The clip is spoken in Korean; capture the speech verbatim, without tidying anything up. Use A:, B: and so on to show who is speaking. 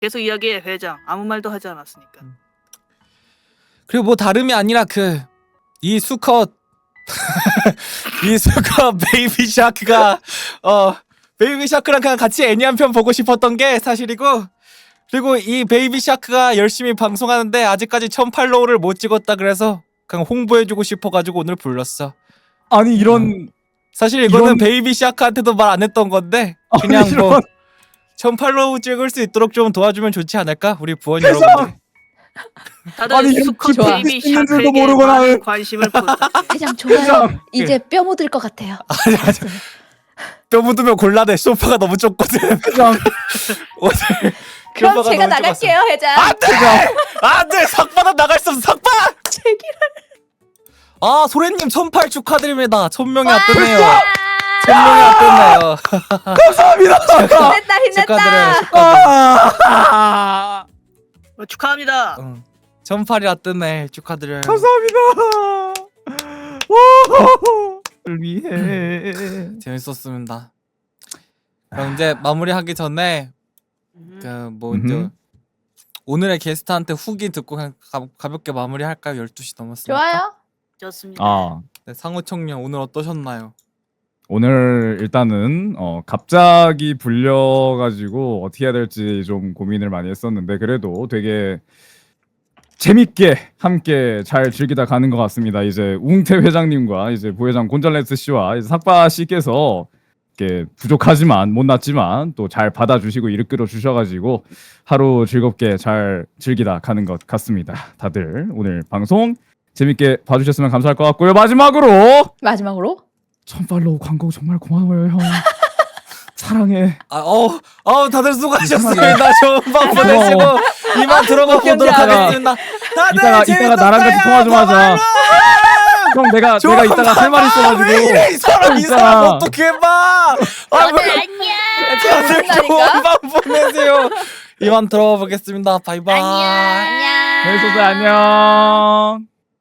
A: 계속 이야기해 회장. 아무 말도 하지 않았으니까.
B: 그리고 뭐 다름이 아니라 그 이 수컷 이 수컷 베이비 샤크가 어 베이비 샤크랑 그냥 같이 애니 한 편 보고 싶었던 게 사실이고, 그리고 이 베이비 샤크가 열심히 방송하는데 아직까지 천 팔로우를 못 찍었다 그래서 그냥 홍보해주고 싶어가지고 오늘 불렀어.
C: 아니 이런
B: 사실 이거는
C: 이런-
B: 베이비 샤크한테도 말 안 했던 건데 그냥
C: 아니,
B: 뭐
C: 이런-
B: 천 팔로우 찍을 수 있도록 좀 도와주면 좋지 않을까? 우리 부원 여러분들.
A: 다들
C: 아니, 이런
A: 수컷
C: 좋아.
A: 베이비
C: 있는 줄도
A: 샤크에게
C: 모르고
A: 많은
C: 나는.
A: 관심을 부탁해.
D: 회장 좋아요.
C: 회장.
D: 이제 뼈 묻을 것 같아요.
B: 뼈 묻으면 곤란해. 소파가 너무 좁거든.
C: 회장
B: 오늘
D: 그럼
B: 소파가
D: 제가
B: 너무 좁았어.
D: 나갈게요, 회장.
B: 안돼! 안돼! 삭바다 나갈 수 없어. 삭바!
D: 제기를.
B: 아 소래님 천팔 축하드립니다. 천명이
D: 와!
B: 앞섰네요. 천명이 앞섰네요.
C: 감사합니다.
D: 힘냈다, 힘냈다.
B: 축하드려요. 축하드려요.
C: 아,
A: 어, 축하합니다.
B: 응. 천팔이 앞섰네. 축하드려요.
C: 감사합니다. 오, 위해
B: 재밌었습니다. 그럼 이제 마무리하기 전에
A: 음.
B: 그 뭐 이제
C: 음흠.
B: 오늘의 게스트한테 후기 듣고 그냥 가, 가볍게 마무리할까요? 열두 시 넘었으니까.
D: 좋아요.
A: 좋습니다.
C: 아
B: 네, 상호 청년 오늘 어떠셨나요?
C: 오늘 일단은 어 갑자기 불려가지고 어떻게 해야 될지 좀 고민을 많이 했었는데 그래도 되게 재밌게 함께 잘 즐기다 가는 것 같습니다. 이제 웅태 회장님과 이제 부회장 곤잘레스 씨와 이제 삭바 씨께서 이렇게 부족하지만 못났지만 또 잘 받아주시고 이끌어 주셔가지고 하루 즐겁게 잘 즐기다 가는 것 같습니다. 다들 오늘 방송 재밌게 봐주셨으면 감사할 것 같고요. 마지막으로
D: 마지막으로
C: 천 팔로우 광고 정말 고마워요 형. 사랑해.
B: 아, 어, 어, 다들 수고하셨습니다. 좋은 밤 보내시고 이만 들어가 보도록
D: 경기하라.
B: 하겠습니다. 다들
C: 이따가 이따가 나랑 같이 통화 좀 하자. 형 내가 내가 이따가 할 말 있어가지고.
B: 이 사람 이
C: 진짜.
B: 사람 어떻게 봐? 아,
D: 다들
B: 왜-
D: 안녕.
B: 다들 좋은
D: 그런다니까.
B: 밤 보내세요. 이만 들어가 보겠습니다. 바이바이.
D: 안녕.
C: 재밌었어요. 안녕.